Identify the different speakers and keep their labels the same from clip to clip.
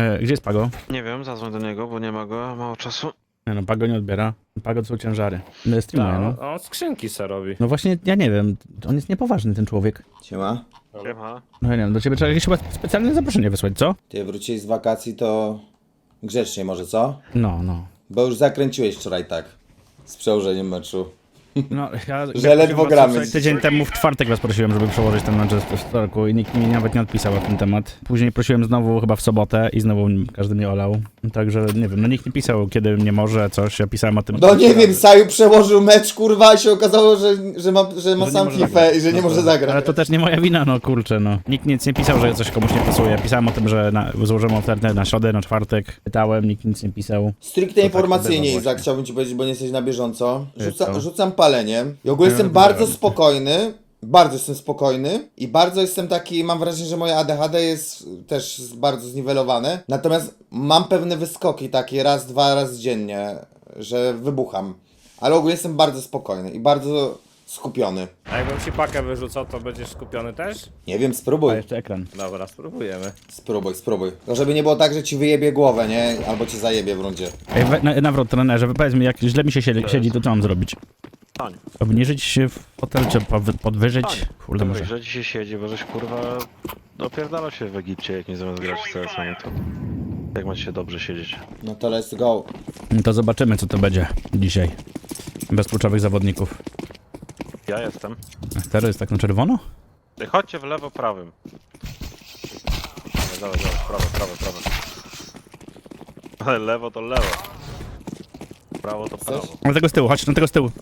Speaker 1: Gdzie jest Pago?
Speaker 2: Nie wiem, zadzwoń do niego, bo nie ma go, mało czasu.
Speaker 1: Nie no, Pago nie odbiera. Pago to są ciężary. Streamuje, no.
Speaker 3: On skrzynki se robi.
Speaker 1: No właśnie, ja nie wiem. On jest niepoważny, ten człowiek.
Speaker 4: Siema.
Speaker 2: Siema.
Speaker 1: No ja nie wiem, do ciebie trzeba jakieś chyba specjalne zaproszenie wysłać, co?
Speaker 4: Ty wróciłeś z wakacji, to grzecznie może, co?
Speaker 1: No.
Speaker 4: Bo już zakręciłeś wczoraj tak. Z przełożeniem meczu.
Speaker 1: No, ja
Speaker 4: Że ledwo gramy.
Speaker 1: Tydzień temu w czwartek was prosiłem, żeby przełożyć ten mecz w wtorku i nikt mi nawet nie odpisał na ten temat. Później prosiłem znowu chyba w sobotę i znowu każdy mnie olał. Także nie wiem, no nikt nie pisał, kiedy nie może, coś, ja pisałem o tym.
Speaker 4: No nie wiem, Saju przełożył mecz, kurwa, i się okazało, że ma sam
Speaker 1: może
Speaker 4: FIFA
Speaker 1: zagrać.
Speaker 4: i że nie może zagrać.
Speaker 1: Ale to też nie moja wina, no kurczę, no. Nikt nic nie pisał, że coś komuś nie pasuje. Pisałem o tym, że złożymy ofertę na środę, na czwartek. Pytałem, nikt nic nie pisał.
Speaker 4: Stricte
Speaker 1: tak
Speaker 4: informacyjnie,
Speaker 1: bywa
Speaker 4: Izak,
Speaker 1: właśnie.
Speaker 4: chciałbym ci powiedzieć, bo nie jesteś na bieżąco.
Speaker 1: Co?
Speaker 4: Rzucam paleniem. I ogólnie jestem bardzo spokojny. Bardzo jestem spokojny i bardzo jestem taki, mam wrażenie, że moje ADHD jest też bardzo zniwelowane. Natomiast mam pewne wyskoki takie raz, dwa razy dziennie, że wybucham. Ale ogólnie jestem bardzo spokojny i bardzo skupiony.
Speaker 3: A jakbym ci pakę wyrzucał, to będziesz skupiony też?
Speaker 4: Nie wiem, spróbuj.
Speaker 1: A jeszcze ekran.
Speaker 3: Dobra, spróbujemy.
Speaker 4: Spróbuj. Tylko żeby nie było tak, że ci wyjebie głowę, nie? Albo cię zajebie w rundzie.
Speaker 1: Ej, nawrot trenerze, powiedz mi, jak źle mi się siedzi, to co mam zrobić?
Speaker 2: Tań.
Speaker 1: Obniżyć się w fotel, czy podwyżyć? Kurde, może.
Speaker 2: Że dzisiaj siedzi, bo żeś kurwa opierdalał się w Egipcie, jak nie zamiast grać w CS, no to jak macie się dobrze siedzieć?
Speaker 4: No to let's go.
Speaker 1: To zobaczymy, co to będzie dzisiaj. Bez kluczowych zawodników.
Speaker 2: Ja jestem.
Speaker 1: Teraz jest tak na czerwono?
Speaker 2: Ej, chodźcie w lewo prawym. Dawaj, prawo. Ale lewo to lewo. Prawo to prawo.
Speaker 1: Na tego z tyłu, chodź na tego z tyłu.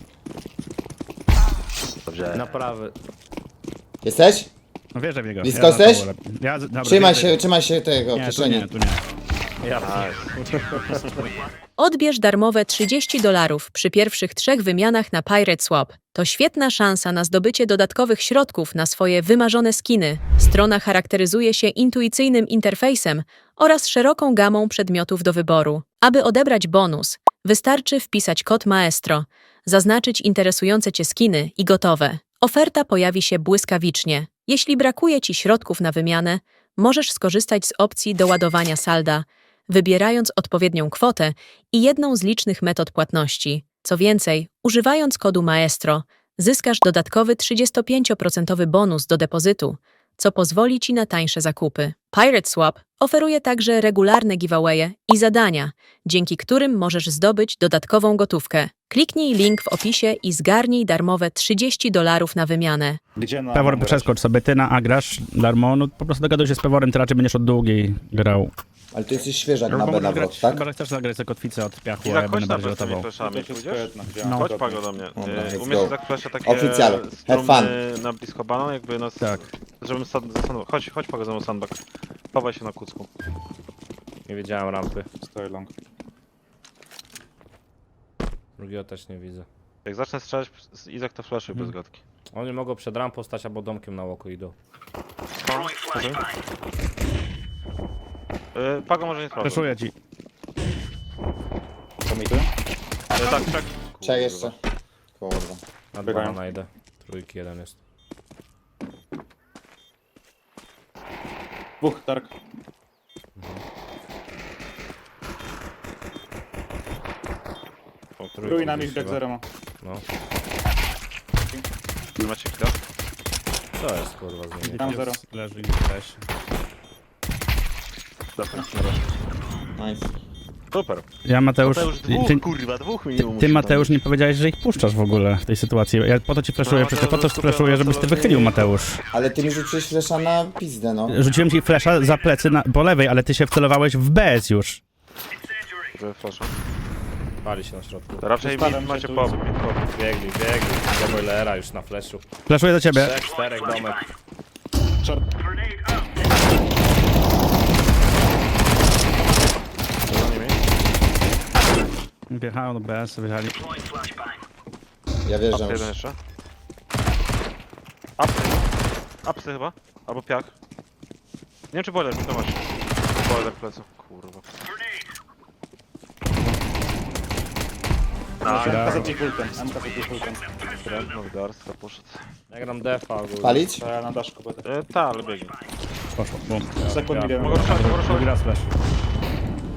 Speaker 2: Dobrze.
Speaker 3: Na prawy.
Speaker 4: Jesteś?
Speaker 1: No wierzę w niego.
Speaker 4: Blisko
Speaker 1: na
Speaker 4: jesteś?
Speaker 1: to wolę. Dobra,
Speaker 4: Trzymaj się tego
Speaker 1: Nie, tu
Speaker 4: kieszeni.
Speaker 1: nie, tu nie.
Speaker 3: Ja
Speaker 5: Odbierz darmowe $30 przy pierwszych 3 wymianach na Pirate Swap. To świetna szansa na zdobycie dodatkowych środków na swoje wymarzone skiny. Strona charakteryzuje się intuicyjnym interfejsem oraz szeroką gamą przedmiotów do wyboru. Aby odebrać bonus, wystarczy wpisać kod Maestro, zaznaczyć interesujące Cię skiny i gotowe. Oferta pojawi się błyskawicznie. Jeśli brakuje Ci środków na wymianę, możesz skorzystać z opcji doładowania salda, wybierając odpowiednią kwotę i jedną z licznych metod płatności. Co więcej, używając kodu Maestro, zyskasz dodatkowy 35% bonus do depozytu, co pozwoli Ci na tańsze zakupy. Pirate Swap oferuje także regularne giveawaye i zadania, dzięki którym możesz zdobyć dodatkową gotówkę. Kliknij link w opisie i zgarnij darmowe $30 na wymianę.
Speaker 6: Gdzie na
Speaker 1: Pewor, przeskocz sobie, ty na A grasz, Darmo, no po prostu dogaduj się z Peworem, ty raczej będziesz od długiej grał.
Speaker 4: Ale ty jesteś świeżak na
Speaker 1: Chyba
Speaker 4: B
Speaker 1: możesz
Speaker 4: nawrot,
Speaker 1: grać,
Speaker 4: tak?
Speaker 1: chyba że chcesz zagrać sobie kotwicę od piachu, a
Speaker 2: Izak,
Speaker 1: ja
Speaker 2: chodź
Speaker 1: będę
Speaker 2: na
Speaker 1: bardziej
Speaker 2: bez tymi
Speaker 1: rotował.
Speaker 2: fleszami,
Speaker 6: To jest
Speaker 2: pójdziesz?
Speaker 6: świetna, gdzie
Speaker 1: No.
Speaker 6: mam
Speaker 2: Chodź
Speaker 6: kopie.
Speaker 2: Pago do mnie.
Speaker 4: Dobra, let's
Speaker 2: Umiesz
Speaker 4: go.
Speaker 2: tak flesze takie
Speaker 4: Oficjal. Have
Speaker 2: strumny na blisko banan, jakby nas...
Speaker 1: Tak.
Speaker 2: Żebym chodź Pago ze mną sandbag. Chowaj się na kucku.
Speaker 3: nie widziałem rampy.
Speaker 6: Stoję long.
Speaker 3: Drugiego też nie widzę.
Speaker 2: Jak zacznę strzelać, Izak to flashuj bez gadki.
Speaker 3: Oni mogą przed rampą stać albo domkiem na łoku idą.
Speaker 2: Pago może nie sprawdzę.
Speaker 1: Przeszuję ci.
Speaker 6: Co mi tu?
Speaker 2: Tak, tak.
Speaker 4: Czekaj jeszcze. Kurwa.
Speaker 3: Na
Speaker 6: Biegają.
Speaker 3: 2 najdę. Trójki jeden jest.
Speaker 6: Dwóch, Dark. Trój na mich, deck zero ma.
Speaker 3: No.
Speaker 2: Macie chwilę?
Speaker 3: Co jest kurwa z nimi?
Speaker 6: Tam zero.
Speaker 1: Leży i też.
Speaker 2: Dobra.
Speaker 4: Nice.
Speaker 2: Super.
Speaker 1: Ja Mateusz,
Speaker 2: Kurwa, dwóch minimum.
Speaker 1: ty Mateusz nie powiedziałeś, że ich puszczasz w ogóle w tej sytuacji. Ja po to ci flashuję,
Speaker 2: No,
Speaker 1: przecież po to
Speaker 2: Mateusz
Speaker 1: flashuję, żebyś ty wychylił, Mateusz.
Speaker 4: Ale ty mi rzuciłeś flesza na pizdę, no.
Speaker 1: Rzuciłem ci flasha za plecy po lewej, ale ty się wcelowałeś w BS już.
Speaker 2: Flasha.
Speaker 3: Pali się na środku.
Speaker 2: Raczej
Speaker 6: Zostawiam
Speaker 2: mi
Speaker 6: się
Speaker 2: macie
Speaker 6: tu.
Speaker 2: pop.
Speaker 3: Biegli. Do boilera już na flashu.
Speaker 1: Flashuję do ciebie.
Speaker 3: 4 domek.
Speaker 6: Short.
Speaker 2: Co za nimi?
Speaker 1: Wjechają do BS, wyjechali.
Speaker 4: Ja wierzę
Speaker 2: Apsy
Speaker 4: już.
Speaker 2: jeden jeszcze. Apsy. Apsy chyba. Albo piach. Nie wiem czy boiler, to masz. Boiler pleców. Kurwa.
Speaker 6: MK za ultem. MK za ultem.
Speaker 2: No garsta poszedł.
Speaker 3: Ja gram defa ogólnie.
Speaker 4: Palić?
Speaker 6: To ja na daszku będę.
Speaker 2: Ta, ale biegnie.
Speaker 1: Poszło, bum.
Speaker 6: Sekund milion.
Speaker 2: Mogę ruszać, mogę
Speaker 1: Drugi
Speaker 2: ruszać.
Speaker 1: raz flash.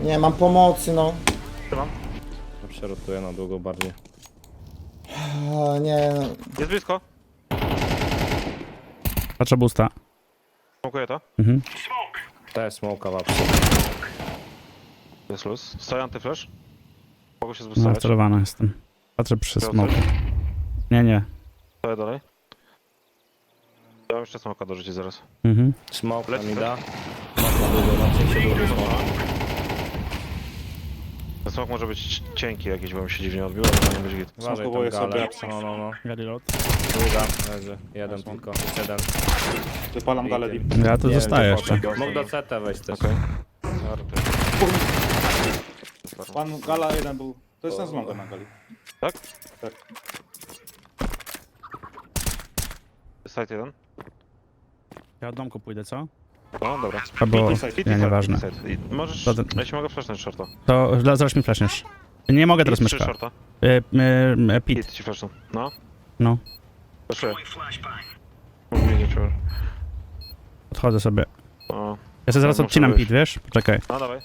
Speaker 4: Nie mam pomocy, no.
Speaker 2: Trzymam.
Speaker 3: Przerotuję na długo bardziej.
Speaker 4: O, nie, no.
Speaker 2: Jest blisko.
Speaker 1: Patrzę boosta.
Speaker 2: Smokuję to.
Speaker 1: Mhm.
Speaker 3: To jest smoka w apsy.
Speaker 2: Jest luz. Stoi antyflash. Mogę się
Speaker 1: No,
Speaker 2: zbustować.
Speaker 1: wcelowany jestem. Patrzę przy
Speaker 2: Miał
Speaker 1: smoku.
Speaker 2: coś?
Speaker 1: Nie, nie.
Speaker 2: Stoję dalej. Ja mam jeszcze smoka dorzucić zaraz.
Speaker 1: Mhm.
Speaker 3: Smoke
Speaker 2: Leci
Speaker 3: mi
Speaker 2: to?
Speaker 3: da. Smoke na długo, na przejście długo smoka.
Speaker 2: Ten smok może być cienki jakiś, bo mi się dziwnie odbiło, ale to nie będzie git.
Speaker 3: Uważaj
Speaker 6: Smokowuję
Speaker 3: tam
Speaker 6: sobie
Speaker 3: galę.
Speaker 6: apsy.
Speaker 3: No.
Speaker 1: Gali lot.
Speaker 3: Długa, leży. Jeden tylko, jeszcze jeden.
Speaker 6: Wypalam galę deep.
Speaker 1: Ja tu
Speaker 3: Nie wiem,
Speaker 1: zostaję
Speaker 3: gdzie
Speaker 1: jeszcze.
Speaker 3: poszedł. Mógł do CT wejść też.
Speaker 2: Okej.
Speaker 6: Pan gala jeden był. To jest ten zląga na gali.
Speaker 2: Tak?
Speaker 6: Tak.
Speaker 2: Side jeden.
Speaker 1: Ja od domku pójdę, co?
Speaker 2: No dobra.
Speaker 1: Albo...
Speaker 6: Pity side,
Speaker 1: Nie, nieważne.
Speaker 2: Side. I możesz...
Speaker 1: To ten-
Speaker 2: Ja ci mogę flashnąć shorta.
Speaker 1: To zaraz mi flashniesz. Nie mogę teraz
Speaker 2: Pit, trzy
Speaker 1: myszka.
Speaker 2: shorta.
Speaker 1: Pit.
Speaker 2: Pit ci flashną. No.
Speaker 1: No.
Speaker 2: Flashuję. Mógł mi nie czuł.
Speaker 1: Odchodzę sobie.
Speaker 2: O.
Speaker 1: Ja sobie zaraz
Speaker 2: Muszę
Speaker 1: odcinam
Speaker 2: wyjść.
Speaker 1: pit, wiesz? Poczekaj.
Speaker 2: No dawaj.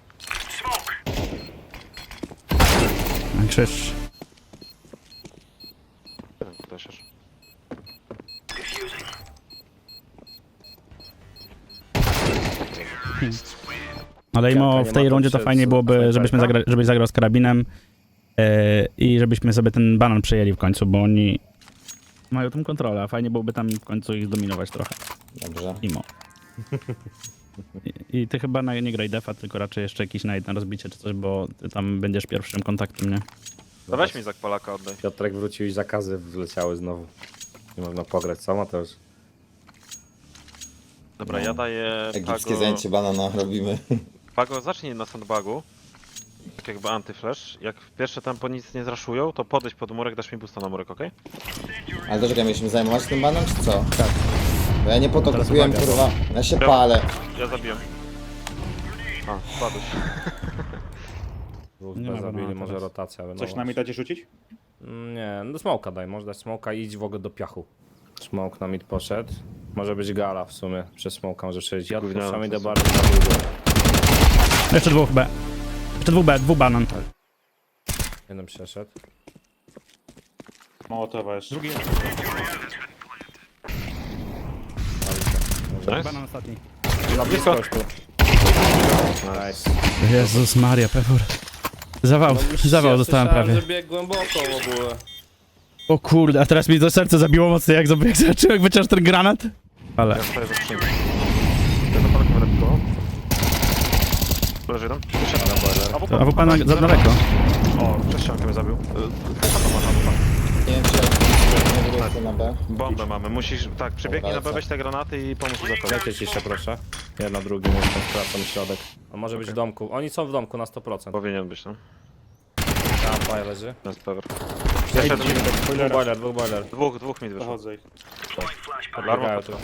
Speaker 1: Krzyż.
Speaker 2: Flashiesz.
Speaker 1: Ale
Speaker 3: Jaka
Speaker 1: imo
Speaker 3: nie
Speaker 1: w
Speaker 3: ma
Speaker 1: tej
Speaker 3: tam
Speaker 1: rundzie to
Speaker 3: przed
Speaker 1: fajnie byłoby, żebyśmy
Speaker 3: snajperka?
Speaker 1: żebyś zagrał z karabinem i żebyśmy sobie ten banan przejęli w końcu, bo oni mają tą kontrolę, a fajnie byłoby tam w końcu ich zdominować trochę.
Speaker 4: Dobrze.
Speaker 1: Imo. I ty chyba nie graj defa, tylko raczej jeszcze jakiś night na rozbicie czy coś, bo ty tam będziesz pierwszym kontaktem, nie?
Speaker 2: No weź mi Zak Polaka, oddaj.
Speaker 3: Piotrek wrócił i zakazy wleciały znowu. Nie można pograć, co Mateusz?
Speaker 2: Dobra,
Speaker 4: No.
Speaker 2: ja daję
Speaker 4: Egipskie
Speaker 2: Pago...
Speaker 4: zajęcie banana robimy.
Speaker 2: Pago, zacznij na sandbagu. Tak jakby antyflash. Jak w pierwsze tempo nic nie zraszują, to podejdź pod murek, dasz mi boosta na murek, okej?
Speaker 4: Ale to czekaj, mieliśmy zajmować tym banem, czy co? Tak. Bo ja nie po to
Speaker 1: Teraz
Speaker 4: kupiłem,
Speaker 1: uwaga.
Speaker 4: kurwa. Ja się
Speaker 2: Ja-
Speaker 4: palę.
Speaker 2: Ja zabiję. A, spadłeś.
Speaker 3: Dwóch
Speaker 1: Nie ma
Speaker 3: zabili,
Speaker 1: banana
Speaker 3: może
Speaker 1: teraz.
Speaker 3: rotacja.
Speaker 6: Coś
Speaker 3: będą
Speaker 6: na mi dacie rzucić?
Speaker 3: Nie, no smoka daj, może dać smoka i idź w ogóle do piachu. Smoke na mid poszedł. Może być gala w sumie, przez smoka może przejść. Ja
Speaker 2: Gówniane
Speaker 3: puszczam
Speaker 2: to
Speaker 3: idę
Speaker 2: są.
Speaker 3: bardzo na długo.
Speaker 1: Jeszcze dwóch B. Jeszcze dwóch B, dwóch banan.
Speaker 3: Jeden przeszedł.
Speaker 6: Mołotowa jeszcze.
Speaker 1: Drugi
Speaker 2: Nice.
Speaker 1: banan ostatni.
Speaker 3: Na blisko już tu. Nice.
Speaker 1: Jezus Maria, Pewor. Zawał, zawał dostałem prawie.
Speaker 3: że biegł głęboko w ogóle.
Speaker 1: O kurde, a teraz mi to serce zabiło mocno, jak zobaczyłem, jak wyciąż ten granat. Ale...
Speaker 2: Ja stoję za skrzynką. Ja za Polakiem będę pikował. Leży jeden. Wyszedł.
Speaker 1: A w pana za daleko.
Speaker 2: O, przez ściankę mnie zabił.
Speaker 4: Nie wiem, czy nie wrócę na B.
Speaker 2: Bombę mamy, musisz... Tak, przebiegnij na B,
Speaker 4: Dobra,
Speaker 2: weź te granaty i pomóż mi zakończyć.
Speaker 3: Dajcie ciszę proszę. Ja na drugim jestem, sprawdzam środek. On może być w domku. Oni są w domku na 100%.
Speaker 2: Powinien być, no.
Speaker 3: Tam fire leży.
Speaker 2: Jest pewor. Jeszcze jeden mid.
Speaker 3: Dwóch boiler.
Speaker 2: Dwóch mid wyszło.
Speaker 6: Dochodzę ich.
Speaker 3: Podbiegają tu.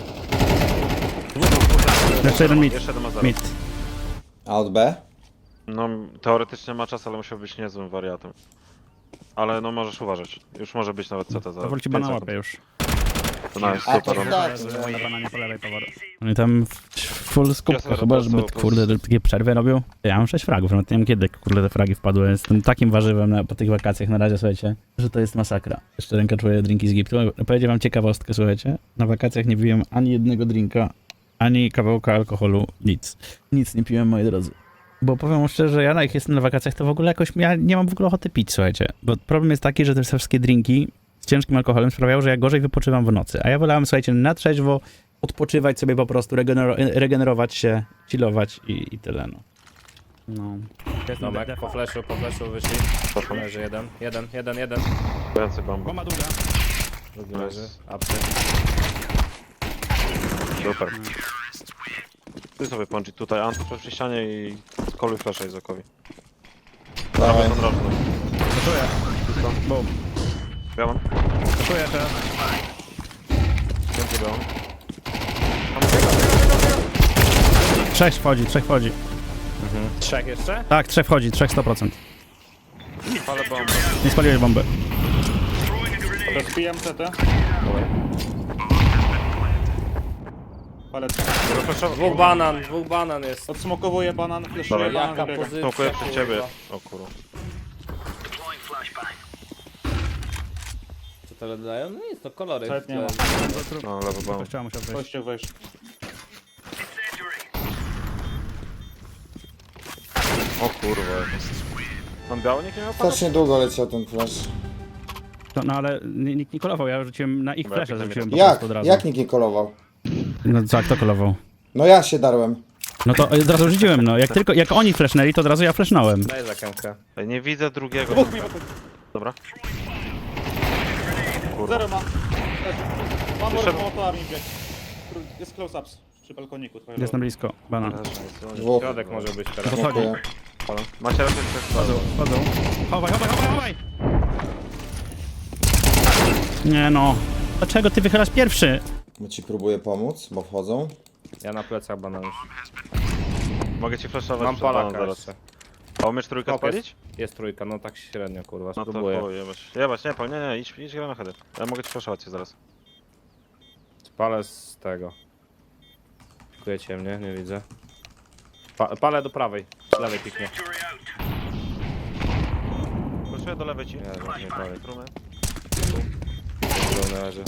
Speaker 1: Jeszcze jeden mid.
Speaker 2: Jeszcze jeden ma zero.
Speaker 1: Mid.
Speaker 4: A od B?
Speaker 2: No, teoretycznie ma czas, ale musiał być niezłym wariatem. Ale no możesz uważać. Już może być nawet CT za
Speaker 1: Powoli ci
Speaker 2: 5
Speaker 1: bana
Speaker 2: sekund.
Speaker 1: łapie już.
Speaker 2: To nice,
Speaker 4: A to
Speaker 2: super.
Speaker 4: tak,
Speaker 1: Na bananie po lewej, Pewor. Oni tam full
Speaker 2: Ja
Speaker 1: skupka
Speaker 2: sobie
Speaker 1: chyba,
Speaker 2: po
Speaker 1: żeby
Speaker 2: prostu-
Speaker 1: kurde takie przerwy robił. Ja mam 6 fragów, no nie wiem kiedy kurde te fragi wpadły. Jestem takim warzywem po tych wakacjach na razie, słuchajcie, że to jest masakra. Jeszcze ręka czuję drinki z Egiptu. Powiedziałem wam ciekawostkę, słuchajcie. Na wakacjach nie piłem ani jednego drinka, ani kawałka alkoholu, nic. Nic nie piłem, moi drodzy. Bo powiem wam szczerze, ja jak jestem na wakacjach, to w ogóle jakoś, ja nie mam w ogóle ochoty pić, słuchajcie. Bo problem jest taki, że te wszystkie drinki z ciężkim alkoholem sprawiają, że ja gorzej wypoczywam w nocy. A ja wolałem, słuchajcie, na trzeźwo odpoczywać sobie po prostu, regenerować się, chillować i tyle, no. No.
Speaker 3: Domek, po flashu wyszli. Leży jeden. Jeden.
Speaker 2: Więcej bomb.
Speaker 1: Bomba długa.
Speaker 3: Drugi
Speaker 2: Nice.
Speaker 3: leży. Apsy.
Speaker 2: Super. Ty sobie pączyć tutaj anty przy ścianie i koluj flasha Izakowi.
Speaker 4: Dawaj.
Speaker 2: To drożno.
Speaker 1: Czuję. Boom.
Speaker 2: Ja mam.
Speaker 1: Czuję teraz.
Speaker 2: Więcej białą.
Speaker 1: Trzech wchodzi.
Speaker 3: Trzech jeszcze?
Speaker 1: Tak, trzech wchodzi, 100%.
Speaker 2: Ale bombę.
Speaker 1: Nie spaliłeś bomby.
Speaker 6: Rozbijam CT. Palet.
Speaker 3: Dwóch banan jest.
Speaker 6: Odsmokowuję banan, fleszuję
Speaker 2: Dawaj.
Speaker 6: banan,
Speaker 3: Jaka
Speaker 6: wybiega.
Speaker 3: pozycja,
Speaker 2: Smokuję przy ciebie.
Speaker 3: kurwa.
Speaker 2: O kurwa.
Speaker 3: Co to dają? No nic, to kolory.
Speaker 6: Nawet nie ma.
Speaker 2: No, lewy banan.
Speaker 1: Chciałem musiał wejść.
Speaker 6: Kościół wejść.
Speaker 2: O kurwa. Mam biało, nikt nie miał pada?
Speaker 4: Strasznie długo leciał ten flash.
Speaker 1: No ale nikt nie kolował, ja rzuciłem na ich
Speaker 2: Dobra,
Speaker 1: flesze,
Speaker 2: jak
Speaker 1: rzuciłem po
Speaker 4: Jak?
Speaker 1: prostu od razu.
Speaker 4: Jak nikt nie kolował?
Speaker 1: No co, kto kolował?
Speaker 4: No ja się darłem.
Speaker 1: No to od razu rzuciłem, no. Jak oni flashnęli, to od razu ja flashnąłem.
Speaker 3: Daj za kęmkę.
Speaker 2: Ej, nie widzę drugiego.
Speaker 6: Dwóch mi wychodzi.
Speaker 2: Dobra. Kurwa.
Speaker 6: Zero ma. Mam
Speaker 2: Jeszcze-
Speaker 6: motoarmi bieg. Jest close-ups przy balkoniku. twoje
Speaker 1: Jest na blisko, bana.
Speaker 4: Dwóch.
Speaker 3: Środek może być teraz.
Speaker 1: Podchodzi.
Speaker 4: Dziękuję.
Speaker 2: Macie raczej też
Speaker 1: Chodzą. Chowaj, chowaj, chowaj, chowaj! Nie no. Dlaczego ty wychylasz pierwszy?
Speaker 4: Bo ci próbuję pomóc, bo wchodzą.
Speaker 3: Ja na plecach banan już.
Speaker 2: Mogę ci flashować
Speaker 3: Mam
Speaker 2: przed banan
Speaker 3: palaka
Speaker 2: zaraz.
Speaker 3: jeszcze.
Speaker 2: A umiesz trójkę
Speaker 3: Hop jest.
Speaker 2: spalić?
Speaker 3: Jest trójka, no tak średnio kurwa,
Speaker 2: No to
Speaker 3: spróbuję.
Speaker 2: chuj, jebać, nie, nie, idź gra na header. Ja mogę ci flashować cię zaraz.
Speaker 3: Spalę z tego. Kujecie mnie, nie widzę. Palę do prawej, z lewej piknie.
Speaker 2: Flashuję do lewej ci.
Speaker 3: Nie, nie prawej.
Speaker 2: Trumy.
Speaker 3: Drobny leży.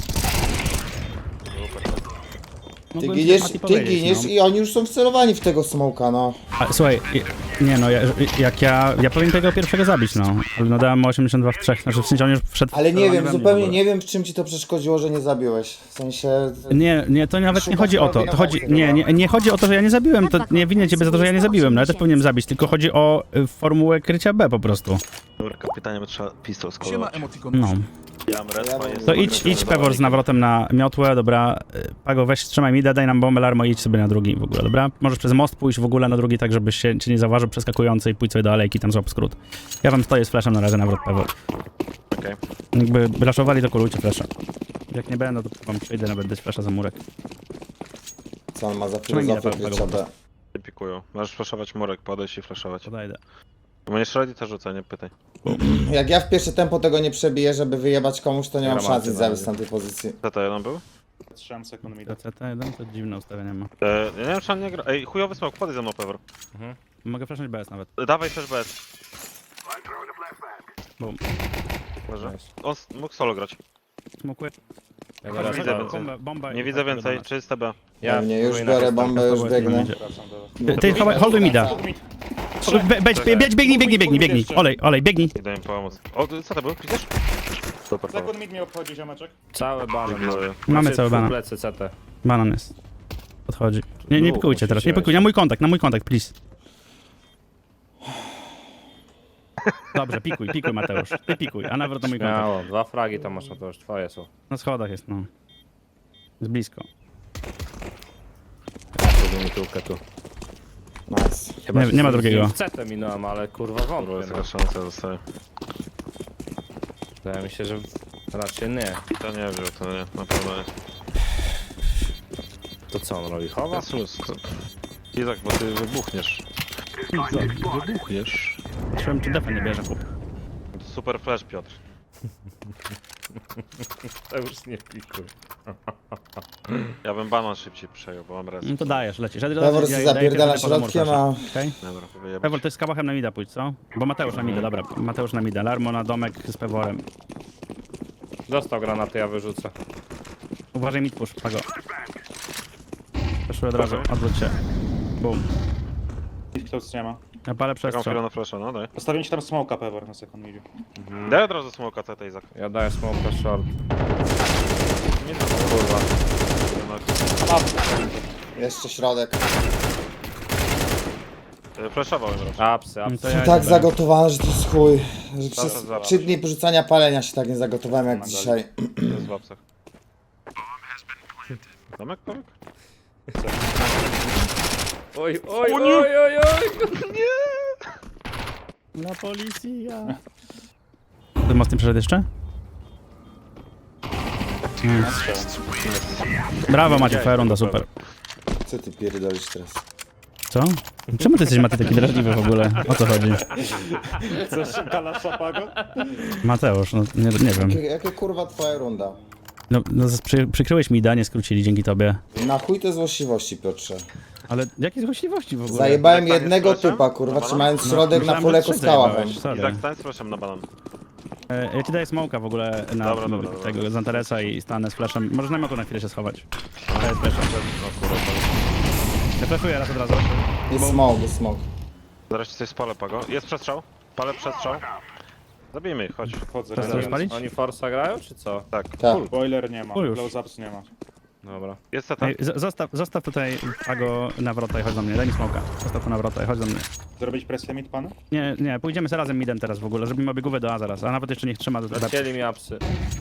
Speaker 4: Ty
Speaker 1: Mogłem
Speaker 4: giniesz,
Speaker 1: Mati
Speaker 4: ty
Speaker 1: powiedzieć,
Speaker 4: giniesz
Speaker 1: no.
Speaker 4: i oni już są wcelowani w tego smoka, no.
Speaker 1: A, słuchaj, nie no, jak ja powinien tego pierwszego zabić, no. Ale no dałem mu 82 w 3, znaczy w sensie on już wszedł...
Speaker 4: Ale nie
Speaker 1: wcelowany
Speaker 4: wiem,
Speaker 1: we mnie
Speaker 4: zupełnie
Speaker 1: w ogóle.
Speaker 4: nie wiem, w czym ci to przeszkodziło, że nie zabiłeś. W sensie...
Speaker 1: Nie, to nawet nie
Speaker 4: Szukasz
Speaker 1: chodzi o to. To chodzi, nie chodzi o to, że ja nie zabiłem. To nie winien ciebie za to, że ja nie zabiłem. No ja też powinienem zabić, tylko chodzi o formułę krycia B po prostu.
Speaker 2: Dobra, kapitanie, bo trzeba pistol
Speaker 7: Siema
Speaker 2: skolować.
Speaker 7: emotikon.
Speaker 1: No.
Speaker 2: Ja mam respa, jest
Speaker 1: To idź Pewor z nawrotem na miotłę, dobra. Pago, weź trzymaj mi, daj nam bombę Larmo i idź sobie na drugi w ogóle, dobra? Możesz przez most pójść w ogóle na drugi, tak żebyś się cię nie zauważył przeskakujący i pójdź sobie do alejki, tam złap skrót. Ja wam stoję z flashem na razie nawrot Pewor.
Speaker 2: Okej.
Speaker 1: Jakby raszowali, to kulujcie flasha. Jak nie będę, to wam przyjdę nawet dać flasha za murek.
Speaker 4: Co on ma za
Speaker 1: Trzymaj
Speaker 4: filozofię
Speaker 1: mi na
Speaker 4: krycia B?
Speaker 2: Pikują. Możesz flashować murek, podejść i flashować.
Speaker 1: Podajdę.
Speaker 2: Bo nie strzelali, to rzucaj, nie pytaj.
Speaker 4: Jak ja w pierwsze tempo tego nie przebiję, żeby wyjebać komuś, to nie mam
Speaker 3: Gramaty
Speaker 4: szans nic
Speaker 3: na
Speaker 4: zabić z
Speaker 3: razie.
Speaker 4: tamtej pozycji.
Speaker 2: Co to jeden był?
Speaker 6: 3 sekund mi
Speaker 1: To CT1 to dziwne ustawienie ma.
Speaker 2: Ja nie wiem, czy on nie gra. Ej, chujowy smok, podejdź ze mną, Pewor.
Speaker 1: Mogę flashnąć BS nawet.
Speaker 2: Dawaj też bez.
Speaker 1: Bum.
Speaker 2: Może.
Speaker 3: Nice.
Speaker 2: On mógł solo grać.
Speaker 1: Smokuję.
Speaker 3: Ja
Speaker 2: Nie
Speaker 3: teraz
Speaker 2: widzę
Speaker 3: to-
Speaker 2: więcej.
Speaker 1: Bomba
Speaker 2: Nie
Speaker 1: i
Speaker 2: widzę
Speaker 1: tak
Speaker 2: więcej,
Speaker 1: do nas.
Speaker 2: czyste B.
Speaker 3: Ja
Speaker 4: Nie, już
Speaker 3: spróbuję
Speaker 4: biorę
Speaker 3: na
Speaker 4: bombę, już
Speaker 1: Kastowałem,
Speaker 4: biegnę.
Speaker 1: idzie.
Speaker 6: wracam do...
Speaker 1: Ty, holduj mida. Biegnij, biegnij.
Speaker 2: Idę im pomóc. O, co to był? Widzisz? Super, Pewor.
Speaker 6: Sekund mi obchodzi ziomeczek.
Speaker 3: Całe banan.
Speaker 2: Ignoruję.
Speaker 1: Mamy
Speaker 3: Znaczy,
Speaker 1: cały banan.
Speaker 3: plecy CT.
Speaker 1: Banan jest. Podchodzi. Nie
Speaker 3: Dwóch
Speaker 1: pikujcie teraz, nie
Speaker 3: musicie
Speaker 1: pikujcie. Na mój kontakt, please. Dobrze, pikuj Mateusz. Ty pikuj, a nawrót na mój kontakt.
Speaker 3: Miało, 2 fragi tam masz, no to już twoje są.
Speaker 1: Na schodach jest, no. Jest blisko.
Speaker 3: Zrobię mi tyłkę tu.
Speaker 4: Nice.
Speaker 3: Chyba
Speaker 1: Nie ma drugiego.
Speaker 3: W CT minąłem, ale kurwa
Speaker 2: Kurwa,
Speaker 3: wątpię.
Speaker 2: jest
Speaker 3: No.
Speaker 2: taka szansa, zostaje.
Speaker 3: Wydaje mi się, że raczej nie.
Speaker 2: To nie wiem, to nie, na pewno nie.
Speaker 3: To co on robi? Chowa?
Speaker 2: Jest luz. Izak, bo ty wybuchniesz. Wybuchniesz.
Speaker 1: Trzymam, czy defa nie bierze, chłop.
Speaker 2: Super flash, Piotr.
Speaker 3: To już nie pikuj.
Speaker 2: Ja bym banan szybciej przejął, bo mam res.
Speaker 1: No to dajesz, lecisz.
Speaker 4: Pewor się zapierdala środkiem, a...
Speaker 1: Okej?
Speaker 2: Dobra, wyjebać.
Speaker 1: Pewor, to jest z kałachem na mida pójdź, co? Bo Mateusz na mida, dobra. Mateusz na mida. Larmo na domek z Peworem.
Speaker 3: Dostał granaty, ja wyrzucę.
Speaker 1: Uważaj mid push, Pago. Proszę od razu, odwróć się. Bum.
Speaker 6: Close nie ma.
Speaker 1: Ja palę
Speaker 2: Taką
Speaker 1: przestrzał.
Speaker 2: chwilę na flasha, no daj.
Speaker 6: Postawiłem ci tam smoka pewor na sekund mi.
Speaker 2: Daj od razu smoka CT, Izak.
Speaker 3: Ja daję smoke short.
Speaker 2: Nie to kurwa.
Speaker 4: Jeszcze środek.
Speaker 2: Flashowałem raczej.
Speaker 3: Apsy,
Speaker 1: No
Speaker 3: apsy.
Speaker 1: to ja
Speaker 4: Tak
Speaker 1: idę.
Speaker 4: zagotowany, że to jest chuj. Że przez
Speaker 2: zaraz.
Speaker 4: 3 dni porzucania palenia się tak nie zagotowałem jak dzisiaj.
Speaker 2: Jest w apsach. Domek, Pawek?
Speaker 3: Oj, oj, oj, oj, oj!
Speaker 1: Na policja. Ty mocny przeszedł jeszcze? Brawo Macie, twoja runda, super.
Speaker 4: Co ty pierdolisz teraz?
Speaker 1: Co? Czemu ty jesteś, Maty, taki drażliwy w ogóle? O co chodzi?
Speaker 6: Chcesz gala szapago?
Speaker 1: Mateusz, no nie wiem.
Speaker 4: Jakie kurwa twoja runda?
Speaker 1: No przykryłeś mi da, nie skrócili dzięki tobie.
Speaker 4: Na chuj te złośliwości, Piotrze.
Speaker 1: Ale jakie złośliwości w ogóle?
Speaker 4: Zajebałem
Speaker 2: Tak, tak,
Speaker 4: jednego
Speaker 2: jest flashem?
Speaker 4: typa, kurwa,
Speaker 2: No,
Speaker 4: trzymając
Speaker 2: no.
Speaker 4: środek na
Speaker 1: Myślałem,
Speaker 4: full
Speaker 1: że
Speaker 4: eko
Speaker 1: trzy
Speaker 4: skaławem.
Speaker 1: zajebałeś, sorry.
Speaker 2: Izak, stań z flashem na banan.
Speaker 1: Ja ci daję smoka w ogóle na
Speaker 2: Dobra, dobra, dobra.
Speaker 1: tego z Antaresa i stanę z flashem. Możesz na moku na chwilę się schować. To jest flashem. Ja flashuję raz od razu.
Speaker 4: Jest smoke, jest smoke.
Speaker 2: Zaraz ci coś spalę, Pago. Jest przestrzał. Palę przestrzał. Zabijmy ich, chodź.
Speaker 6: Wchodzę.
Speaker 1: Chcesz
Speaker 6: Teraz.
Speaker 1: coś palić?
Speaker 3: Oni Forsa grają, czy co?
Speaker 2: Tak.
Speaker 4: Tak.
Speaker 6: Boiler nie ma,
Speaker 1: O, już.
Speaker 6: close-ups nie ma.
Speaker 3: Dobra.
Speaker 2: Jest CT.
Speaker 1: Ej, zostaw tutaj Pago na wrota i chodź do mnie. Daj mi smoka. Zostaw to na wrota i chodź do mnie.
Speaker 6: Zrobić presję mid, pan?
Speaker 1: Nie, pójdziemy sobie razem midem teraz w ogóle. Zrobimy obiegówę do A zaraz. A nawet jeszcze niech trzyma do
Speaker 3: Zacięli mi apsy.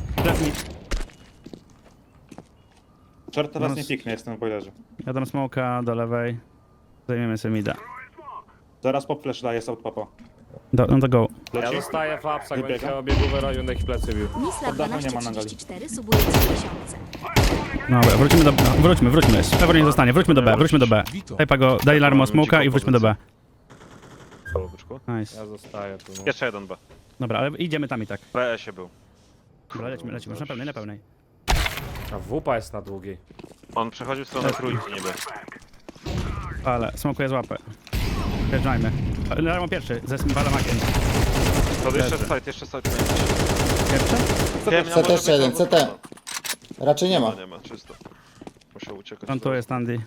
Speaker 6: Short teraz
Speaker 1: No,
Speaker 6: nie piknie, jestem w boilerze.
Speaker 1: Ja dam smoka do lewej. Zajmiemy sobie mida.
Speaker 6: Zaraz pop flash daje south papa.
Speaker 1: No to go.
Speaker 3: Ja
Speaker 6: Leci?
Speaker 3: zostaję w apsach,
Speaker 6: Wybiega?
Speaker 3: będzie chciał biegówę robił, niech plecy bił.
Speaker 7: Nisla
Speaker 6: Oddachu nie ma na
Speaker 7: 1234 subuje 3000.
Speaker 1: Dobra, wrócimy do... No, wróćmy. Pewor nie zostanie. Wróćmy do B. Daj Pago, daj Larmo smoka i wróćmy do B.
Speaker 2: Halo, byczku.
Speaker 1: Nice.
Speaker 3: Ja zostaję tu. No.
Speaker 2: Jeszcze jeden B.
Speaker 1: Dobra, ale idziemy tam i tak.
Speaker 2: W BS-ie był.
Speaker 1: Dobra, lecimy. Już na pełnej.
Speaker 3: A wupa jest na długiej.
Speaker 2: On przechodził w stronę trójki niby.
Speaker 1: Ale smokuję z łapę. Wjeżdżajmy. Larmo pierwszy, ze Balamakiem.
Speaker 2: To jeszcze side.
Speaker 1: Pierwszy?
Speaker 4: CT jeszcze jeden, CT. Raczej nie ma.
Speaker 2: Nie ma, czysto. Musiał uciekać.
Speaker 1: On tu jest Andy.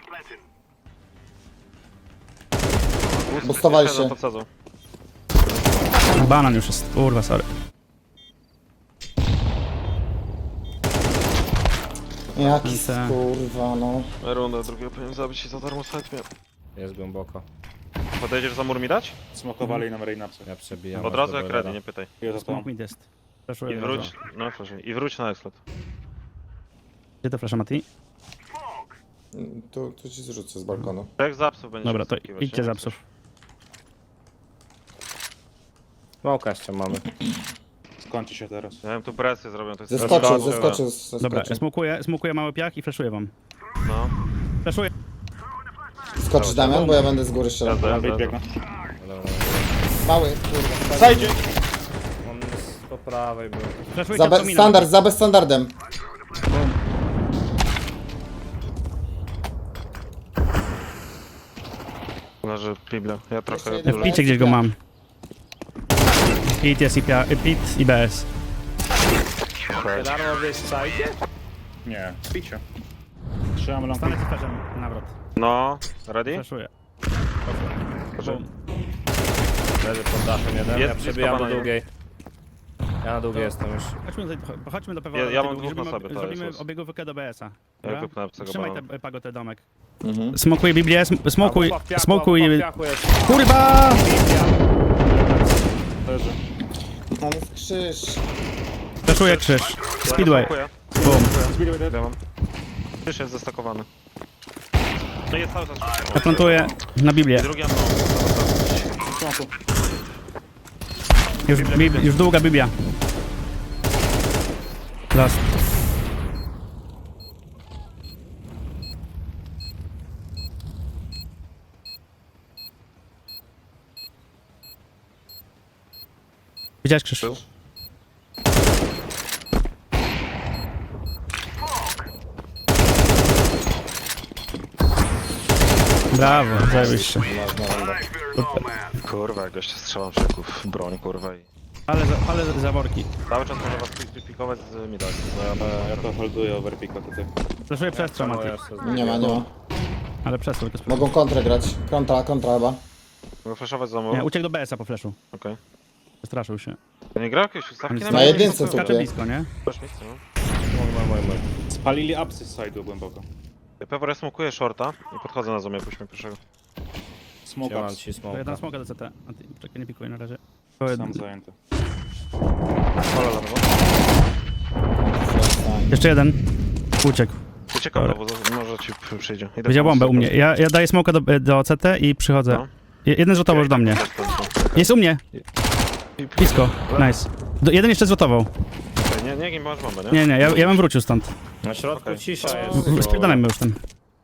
Speaker 4: Boostowali się.
Speaker 2: Podsadzą.
Speaker 1: Banan już jest. Kurwa, sorry.
Speaker 4: Jaki
Speaker 1: CT.
Speaker 4: kurwa, no.
Speaker 2: Rundę drugiego powinien zabić i za darmo side miał.
Speaker 3: Jest głęboko.
Speaker 2: Podejdziesz za mur mi dać?
Speaker 6: Smokowali nam rain upsy.
Speaker 3: Ja przebijam.
Speaker 2: Od
Speaker 3: aż
Speaker 2: razu
Speaker 3: do
Speaker 2: jak
Speaker 3: boilera.
Speaker 2: ready, nie pytaj.
Speaker 6: Jest za to.
Speaker 1: Smoke mid jest. Flashuję
Speaker 2: I
Speaker 1: od razu.
Speaker 2: wróć, no proszę, i wróć na exflat.
Speaker 1: Gdzie to flasha, Mati?
Speaker 4: Tu ci zrzucę z balkonu.
Speaker 2: Jak z apsów będziesz
Speaker 1: Dobra, to
Speaker 2: wyskakiwać,
Speaker 1: idźcie
Speaker 2: nie?
Speaker 1: za psów.
Speaker 3: Smoka jeszcze mamy.
Speaker 6: Skończy się teraz.
Speaker 2: Ja wiem, tu presję zrobią, to jest...
Speaker 4: Zeskoczył.
Speaker 1: Dobra, smokuję mały piach i flashuję wam.
Speaker 2: No,
Speaker 1: Flashuję.
Speaker 4: Skoczysz Damian, bo ja będę z góry strzelał.
Speaker 2: jazda,
Speaker 6: Mid biegnę.
Speaker 4: Mały, kurwa.
Speaker 6: Zajdzie!
Speaker 3: On jest po prawej był.
Speaker 1: Flashuję
Speaker 4: Za standard, za bezstandardem.
Speaker 2: Leży Biblia. Ja trochę
Speaker 4: jeden.
Speaker 2: dużo...
Speaker 1: W picie gdzieś go mam. Pit jest pit i BS.
Speaker 3: Darmo wieś sajdzie?
Speaker 6: Nie, picie. Trzymam lampę.
Speaker 1: Stanę ci flashem nawrot.
Speaker 2: No, ready?
Speaker 1: Flashuję.
Speaker 2: Proszę.
Speaker 3: Leży pod dachem jeden,
Speaker 2: Jest
Speaker 3: ja
Speaker 2: blisko
Speaker 3: przebijam do
Speaker 2: banana.
Speaker 3: długiej. Ja na długiej jestem już.
Speaker 1: Chodźmy do Pewora.
Speaker 2: Ja mam dwóch na sobie, to
Speaker 1: Zrobimy
Speaker 2: jest.
Speaker 1: obiegówkę do BS-a.
Speaker 2: Ja
Speaker 1: Dobra?
Speaker 2: wypnę apcego
Speaker 1: Trzymaj
Speaker 2: banana.
Speaker 1: te Pago, te domek.
Speaker 4: Mhm.
Speaker 1: Smokuj Biblię, smokuj,
Speaker 3: A, wupa w piachu,
Speaker 1: smokuj...
Speaker 3: a wupa w piachu jest.
Speaker 1: Kurwa!
Speaker 6: Leży.
Speaker 4: Tam jest krzyż.
Speaker 1: Flashuję krzyż. Speedway.
Speaker 2: Dziękuję.
Speaker 1: Boom.
Speaker 6: Speedway dead.
Speaker 2: Ja mam. Krzyż jest zestakowany. No jest cały czas krzyż.
Speaker 1: Ja plantuję na Biblię.
Speaker 2: Drugi ammo.
Speaker 6: Smoku.
Speaker 1: Już długa Biblia. Last. Widziałeś krzyż?
Speaker 2: Był.
Speaker 1: Brawo, zajebiście.
Speaker 2: Kurwa, jak goście strzelam szyków w broń, kurwa i...
Speaker 1: Ale zaworki.
Speaker 2: Cały czas może was pikować z midaki, bo ja...
Speaker 6: Ja to holduję overpicka tutaj.
Speaker 1: Flashuję przestrzał, Mati.
Speaker 4: Nie ma.
Speaker 1: Ale przestrzał tylko
Speaker 4: Mogą kontrę grać. Kontra chyba.
Speaker 2: Mogę flashować za
Speaker 1: Nie,
Speaker 2: mur?
Speaker 1: uciekł do BS-a po flashu.
Speaker 2: Okej.
Speaker 1: Straszył się.
Speaker 2: To nie gra jakieś ustawki
Speaker 1: Na
Speaker 4: Na
Speaker 2: mnie?
Speaker 4: jedynce
Speaker 1: Skacze
Speaker 4: tutaj.
Speaker 1: blisko, nie?
Speaker 2: Też miejsce, no.
Speaker 6: Spalili upsy z side'u głęboko.
Speaker 2: Ja pewnie smokuję shorta i podchodzę na zoomie, puśćmy pierwszego.
Speaker 6: Smoke
Speaker 3: Ja mam
Speaker 6: ups.
Speaker 3: ci
Speaker 1: To ja dam
Speaker 3: smoka.
Speaker 1: smoka do CT. A ty, czekaj, nie pikuj na razie.
Speaker 6: Sam zajęty.
Speaker 2: Pola lewo.
Speaker 1: Jeszcze jeden. Uciekł.
Speaker 2: Uciekam lewo, może ci przyjdzie. Idę
Speaker 1: Widział
Speaker 2: po
Speaker 1: bombę u
Speaker 2: prostu.
Speaker 1: mnie. Ja daję smoka do CT i przychodzę.
Speaker 2: No.
Speaker 1: Jeden zrzutował już do mnie. Jest u mnie. Blisko. Nice. Jeden jeszcze zrzutował.
Speaker 2: Okej, nie, masz bombę, nie?
Speaker 1: Nie, ja bym wrócił stąd.
Speaker 3: Na środku
Speaker 2: Okej.
Speaker 3: cisza jest.
Speaker 1: Spierdalajmy już ten.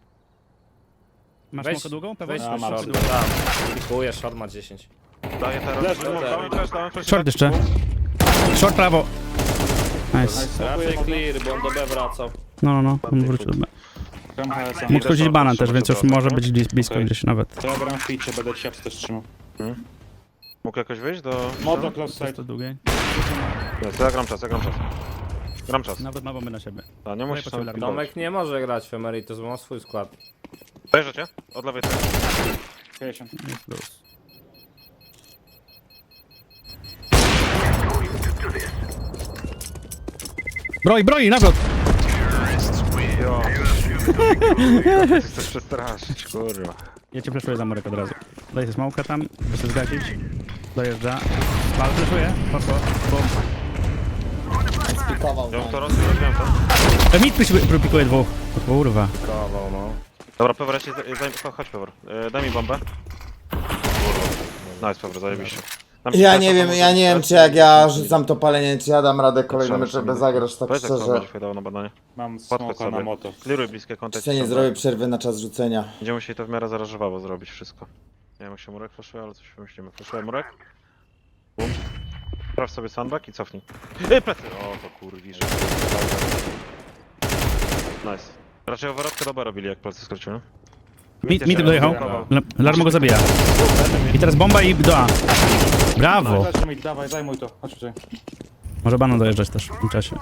Speaker 1: Masz
Speaker 3: Weź-
Speaker 1: smoka długą? Pewnie?
Speaker 3: Weź
Speaker 6: A,
Speaker 3: short,
Speaker 6: masz.
Speaker 3: tam. Pikuję, short ma 10.
Speaker 2: Daję teraz.
Speaker 6: Leży,
Speaker 2: Dałem flash,
Speaker 1: Short jeszcze. Short prawo. Nice.
Speaker 3: Raczej clear, bo on do B wracał.
Speaker 1: No, on wrócił do B.
Speaker 6: Gram HS-a.
Speaker 1: Mógł chodzić banan też, więc już może być blisko
Speaker 6: Okej.
Speaker 1: gdzieś nawet.
Speaker 6: To ja gram w ficie, będę ci też trzymał.
Speaker 2: Mógł jakoś wyjść do...
Speaker 6: Moto close
Speaker 1: Jest
Speaker 6: side.
Speaker 1: to długie.
Speaker 2: Nie, to ja gram czas. Gram czas.
Speaker 1: Nawet ma bomby na siebie.
Speaker 2: A, nie musisz tam
Speaker 1: potrzebne.
Speaker 2: pilnować.
Speaker 3: Tomek nie może grać w Emeritus, bo ma swój skład.
Speaker 2: Dojeżdżacie? Od lewej strony.
Speaker 6: 50.
Speaker 1: Jest plus. Broi, nawrot!
Speaker 2: Jo. Ty chcesz przestraszyć, kurwa.
Speaker 1: Ja cię flashuję za murek od razu. Daję sobie smoka tam, by się zgasić. Dojeżdża. Pal, flashuję. Poszło. Bum.
Speaker 4: Spikował.
Speaker 2: Ja bym to rozumiem to.
Speaker 1: Mit pikuje dwóch. O kurwa.
Speaker 3: Kawał, no.
Speaker 2: Dobra, Pewor, ja ci chodź Pewor. Daj mi bombę. Kurwa. Nice, Pewor, zajebiście. Dam ci
Speaker 4: Ja
Speaker 2: flasha,
Speaker 4: nie wiem,
Speaker 2: to
Speaker 4: ja
Speaker 2: może-
Speaker 4: nie wiem czy jak ja rzucam to palenie, czy ja dam radę kolejne mecze
Speaker 2: Trzeba
Speaker 4: bez zagrać, tak
Speaker 2: Powiedz, jak to
Speaker 4: szczerze.
Speaker 2: będzie dało na badanie.
Speaker 6: Mam
Speaker 2: Podchodź
Speaker 6: smoka
Speaker 2: sobie.
Speaker 6: na moto.
Speaker 2: Kliruj bliskie kontakty.
Speaker 4: Czy nie zrobię przerwy na czas rzucenia?
Speaker 2: Będziemy musieli to w miarę zarażowało zrobić wszystko. Nie wiem jak się murek flashuje, ale coś wymyślimy. Flashuję murek. Bum. Sprawdź sobie sandbag i cofnij. Plecy! O, to kurwi, że... Nice. Raczej overrotkę do B robili, jak plecy skróciły.
Speaker 1: Mit dojechał. Larmo go zabija. I teraz bomba i do A. Brawo.
Speaker 6: Dajcie mi, dawaj, zajmuj to. Chodź tutaj.
Speaker 1: Może banan dojeżdżać też w tym czasie.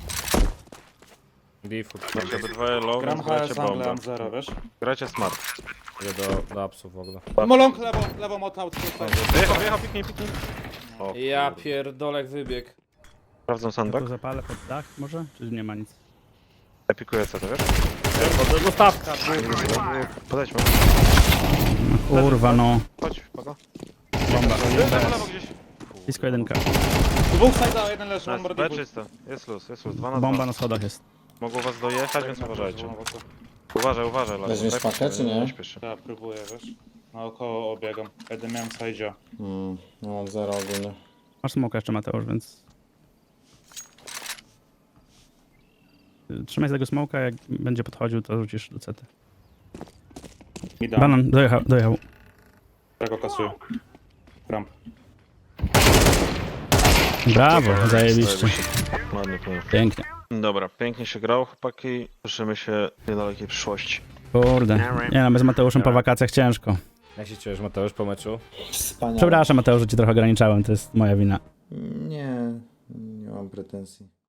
Speaker 3: Default.
Speaker 2: Znaczy obydwoje low,
Speaker 6: Gram
Speaker 2: więc grajcie
Speaker 6: HS, angle,
Speaker 2: bombę.
Speaker 6: mam 0, wiesz?
Speaker 2: Grajcie smart.
Speaker 3: Idę do apsów w ogóle.
Speaker 6: Molong, lewo, moto, out,
Speaker 2: Wyjechał, piknij. O,
Speaker 3: Ja
Speaker 2: kurde.
Speaker 3: pierdolek wybieg.
Speaker 2: Sprawdzam
Speaker 1: Ja
Speaker 2: sandbag.
Speaker 1: tu zapalę pod dach może? Czy nie ma nic?
Speaker 2: Ja pikuję co, to wiesz?
Speaker 3: Dostawka.
Speaker 2: Podejdźmy.
Speaker 1: No, kurwa no.
Speaker 2: Chodź, Pago.
Speaker 1: Bomba.
Speaker 2: Lewo gdzieś.
Speaker 1: Blisko jedynka.
Speaker 6: Dwóch side'a, jeden leży, one
Speaker 2: Nice,
Speaker 6: more
Speaker 2: B
Speaker 6: default.
Speaker 2: czysto. Jest luz, 2 na 2.
Speaker 1: Bomba na schodach jest.
Speaker 2: Mogło was dojechać, więc uważajcie.
Speaker 6: Uważajcie.
Speaker 2: Uważaj, Laro.
Speaker 4: Weźmiesz
Speaker 2: Tak,
Speaker 4: pakę, czy nie?
Speaker 2: śpiesz się.
Speaker 6: Tak, próbuję, wiesz? Naokoło obiegam. Jeden miałem side'a.
Speaker 4: No mam 0 ogólnie.
Speaker 1: Masz smoka jeszcze Mateusz, więc... Trzymaj z tego smoka, jak będzie podchodził, to rzucisz do cety.
Speaker 6: Mi dam.
Speaker 1: Banan, dojechał.
Speaker 6: Tak go kasuję. Ramp.
Speaker 1: Brawo, zajebiście.
Speaker 2: Ładnie, plan.
Speaker 1: Pięknie.
Speaker 2: Dobra, pięknie się grał, chłopaki. Słyszymy się w niedalekiej przyszłości.
Speaker 1: Kurde. Nie no, bez Mateuszem po wakacjach ciężko.
Speaker 3: Jak się czujesz, Mateusz, po meczu?
Speaker 4: Wspaniale.
Speaker 1: Przepraszam Mateusz, że cię trochę ograniczałem, to jest moja wina.
Speaker 4: Nie mam pretensji.